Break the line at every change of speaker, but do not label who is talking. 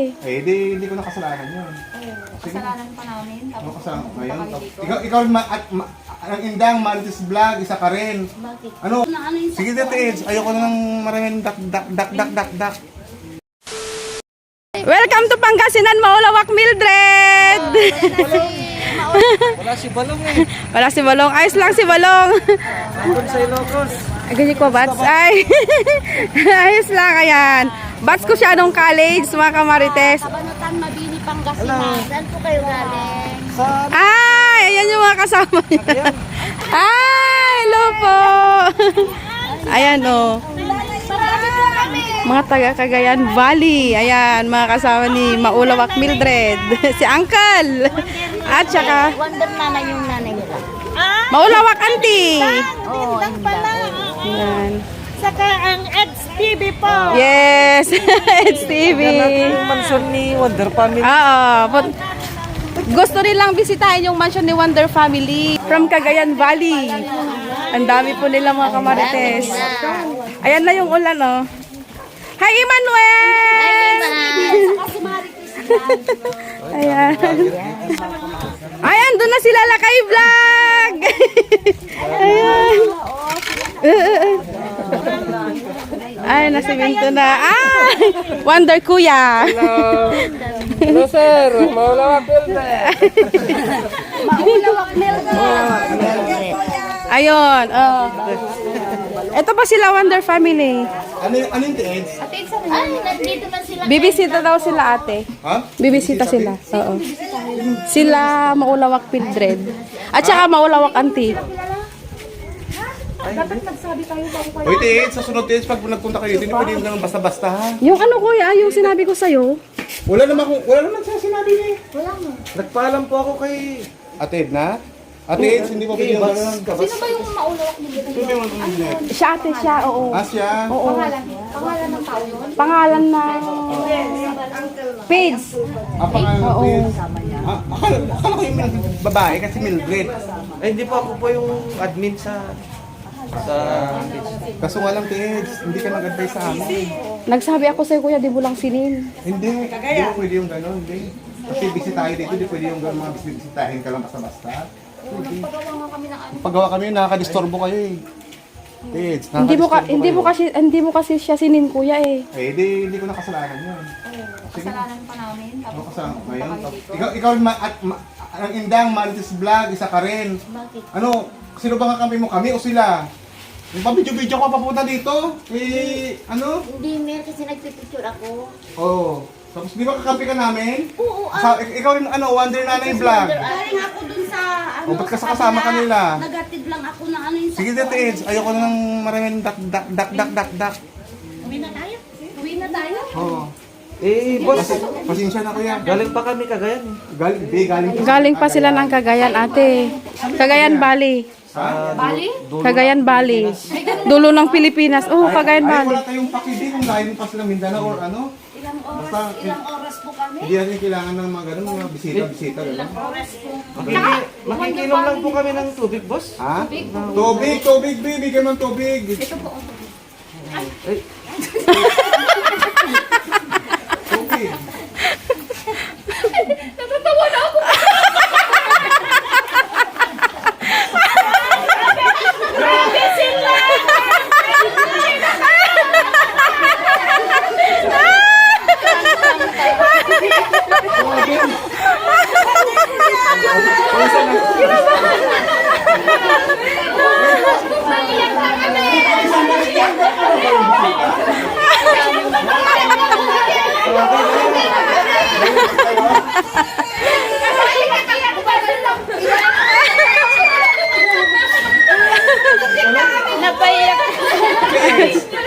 Eh, hindi ko nakasalanan yun.
Kasalanan pa namin.
Ano
Tapos
kasalanan ko ngayon?
dito.
Ikaw ang indang Marites Vlog, isa ka rin.
Bakit?
Ano? Sige Tits, ayoko na ng maraming dak.
Welcome to Pangasinan, Maulawak, Mildred!
Wala si Balong eh.
Wala si Balong. Ayos lang si Balong.
Andun sa Ilocos.
Ganyan ko, Bats. Ay, ayos lang, ayan. Bats ko siya nung college, mga kamarites.
Kabanutan, Mabini, Pangasinan. Saan po kayo galing?
Sa
Ay, ayan yung mga kasama niya. Ay, hello po. Ayan, oh.
Marami po kami.
Mga taga Cagayan Valley. Ayan, mga kasama ni Maulawak Mildred. Si Uncle. At saka,
Wonder Nanay yung nanay nila.
Maulawak Auntie.
Oo, pala.
Ayan.
Saka ang XTV po.
Yes, it's TV.
yan ang mansyon ni Wonder Family.
Oo. Gusto nilang bisitahin yung mansion ni Wonder Family from Cagayan Valley. Ang dami po nila mga kamarites. Ayan na yung ulan, oh. Hi, Emmanuel! Ayan. Ayan, doon na sila Lakay Vlog! Ayan. Ay, nasa Minto na. Ah! Wonder Kuya!
Hello sir, Maulawak
Ayun, oh. Ito pa sila Wonder Family.
Ano yung Tits?
Ay, nandito na sila.
Bibisita daw sila ate.
Ha?
Bibisita sila. Oo. Sila Maulawak Mildred. At saka Maulawak Auntie.
Hoy Tits, sa sunod Tits, pag nagpunta kayo, hindi pwede yung ganun basta-basta ha.
Yung ano kuya, yung sinabi ko sa'yo.
Wala naman siya sinabi niya.
Nagpaalam po ako kay
Ate Edna? Ate Eds, hindi mo pwede yung ganun.
Sino ba yung maulawak nila?
Sino yung Internet?
Siya ate siya, oo.
Ah, siya?
Oo.
Pangalan ng tao yun?
Pangalan ng page.
Ang pangalan ng Tits? Akala ko yung babae kasi Mildred.
ay hindi po ako po yung admin sa
Kaso nga lang Tits, hindi ka nag-advise sa amin.
Nagsabi ako sa'yo kuya, di mo lang sinin.
Hindi mo pwede yung gano'n, hindi. Kasi bisitahin dito, hindi pwede yung gano'n mga bisitahin ka lang basta-basta.
Pagawa nga kami ng ano.
Paggawa kami, nakakadisturbo kayo eh. Tits,
Hindi mo kasi siya sinin kuya eh.
Eh, hindi ko nakasalanan yun.
Kasalanan pa namin.
Ano
Tapos
kasalanan ko ngayon? Ikaw ang indang Marites Vlog, isa ka rin.
bakit?
Ano, sino ba kakampi mo? Kami o sila? Yung pa-video-video ko papunta dito? Eh, ano?
Hindi, Mer, kasi nagpipicture ako.
Oo. Tapos di ba kakampi ka namin?
Oo,
Ikaw rin, Wonder Nanay Vlog.
galing ako dun sa ano.
O, ba't kasama ka nila?
Nagatid lang ako ng ano yung
Sige, Tits, ayoko na ng maraming dak.
Uwi na tayo? Uwi na tayo?
Oo.
eh boss,
Pasensya na kuya.
galing pa kami Cagayan.
Galing.
Galing pa sila ng Cagayan ate. Cagayan Valley.
Bali?
Cagayan Valley. Dulo ng Pilipinas. Oh, Cagayan
Ay,
Valley.
wala tayong pakidi kung galing pa sila Mindanao or ano.
Ilang oras po kami?
Hindi natin kailangan ng mga ganun, mga bisita, gano'n.
Oras po.
Makikinom lang po kami ng tubig boss.
Ha? Tubig, bigyan mo ng tubig.
Ito po.
Ay,
Tubig.
Natatawa na ako. Grabe sila! Napaiyak.